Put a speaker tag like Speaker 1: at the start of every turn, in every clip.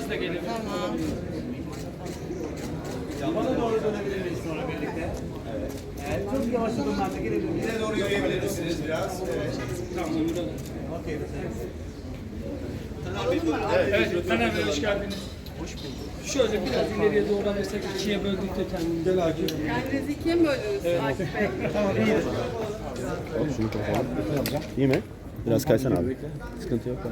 Speaker 1: da gelelim.
Speaker 2: Tamam.
Speaker 3: Bana doğru dönebiliriz sonra birlikte. Evet. Çok yavaş adımlarla gelelim. Bize doğru yürüyebilirsiniz biraz. Evet.
Speaker 1: Tamam, burada.
Speaker 3: Okey.
Speaker 1: Evet, Taner Bey hoş geldiniz. Hoş bulduk. Şöyle biraz ileriye doğru alırsak ikiye böldük de kendimizi. Gel Akif.
Speaker 2: Kendinizi ikiye mi böldünüz Akif Bey?
Speaker 3: Tamam iyidir.
Speaker 4: Şunu kapatalım. İyi mi? Biraz kaysan abi. Sıkıntı yok.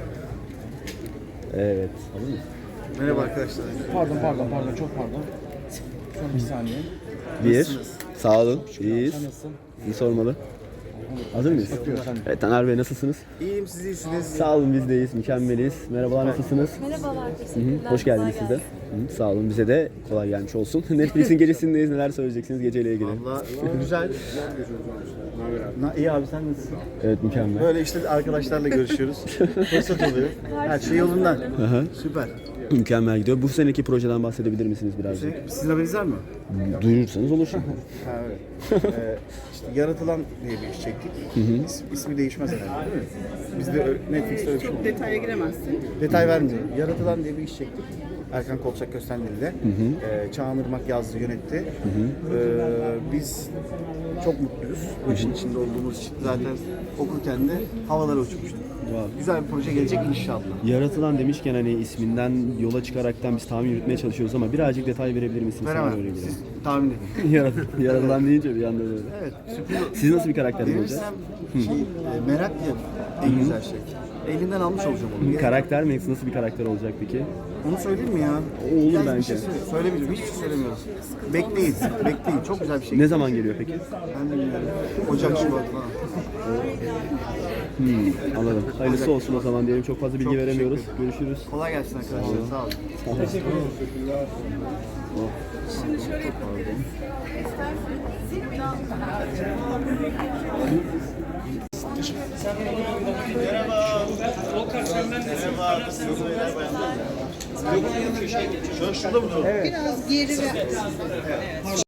Speaker 4: Evet. Alır mı?
Speaker 5: Merhaba arkadaşlar.
Speaker 6: Pardon, çok pardon. Son bir saniye.
Speaker 4: Bir. Sağ olun. İyiyiz.
Speaker 6: Sen nasılsın?
Speaker 4: İyi sormalı. Hazır mıyız? Evet Taner Bey nasılsınız?
Speaker 5: İyiyim, siz iyisiniz.
Speaker 4: Sağ olun biz deyiz. Mükemmeliyiz. Merhabalar nasılsınız?
Speaker 7: Merhabalar,
Speaker 4: Hı
Speaker 7: teşekkürler.
Speaker 4: hı. Hoş geldiniz
Speaker 7: Kolay
Speaker 4: siz de.
Speaker 7: gelsin.
Speaker 4: Hı, sağ olun bize de kolay gelmiş olsun. Netflix'in gecesindeyiz. Neler söyleyeceksiniz geceyle ilgili?
Speaker 5: Valla güzel. İyi abi, sen nasılsın?
Speaker 4: Evet mükemmel.
Speaker 5: Böyle işte arkadaşlarla görüşüyoruz. Fırsat oluyor. Her şey yolundan.
Speaker 4: Hı.
Speaker 5: Süper.
Speaker 4: Mükemmel gidiyor. Bu seneki projeden bahsedebilir misiniz birazcık?
Speaker 5: Sizin haberiniz var mı?
Speaker 4: Duyurursanız olur şimdi.
Speaker 5: Ha evet. İşte Yaratılan diye bir iş çektik. İsmi değişmez herhalde, değil mi? Bizde Netflix'te öyle bir şey
Speaker 2: Çok detaya giremezsin.
Speaker 5: detay vermiyorum. Yaratılan diye bir iş çektik. Erkan Kolçak Köstender'le. Çağan Irmak yazdı, yönetti. Biz çok mutluyuz. Bu işin içinde olduğumuz için. Zaten okurken de havalara uçmuştuk. Güzel bir proje gelecek inşallah.
Speaker 4: Yaratılan demişken hani isminden yola çıkaraktan biz tahmin yürütmeye çalışıyoruz ama birazcık detay verebilir misiniz?
Speaker 5: Veremem.
Speaker 4: Sana öyle geliyor.
Speaker 5: Siz tahmin edin.
Speaker 4: Yaratılan deyince bir anda böyle.
Speaker 5: Evet, sürpriz.
Speaker 4: Siz nasıl bir karakter olacağız?
Speaker 5: Verirsem merak ya en güzel şey. Elinden almış olacağım onu.
Speaker 4: Karakter mi? Nasıl bir karakter olacak peki?
Speaker 5: Onu söyleyeyim mi ya?
Speaker 4: Olur
Speaker 5: Yani bir
Speaker 4: bence.
Speaker 5: şey söylemeyeceğim. Hiçbir şey söylemiyoruz. Bekleyin. Bekleyin. Çok güzel bir şey.
Speaker 4: Ne zaman geliyor peki?
Speaker 5: Ben de bilmiyorum. Ocak, Şubat falan.
Speaker 4: Anladım. Hayırlısı olsun o zaman diyelim. Çok fazla bilgi
Speaker 5: Çok
Speaker 4: veremiyoruz.
Speaker 5: teşekkür
Speaker 4: Görüşürüz.
Speaker 5: Kolay gelsin arkadaşlar. Sağ olun.
Speaker 2: Şimdi şöyle yapabiliriz.
Speaker 1: O karşımdan da
Speaker 5: Şurada mı?
Speaker 2: Biraz geri ve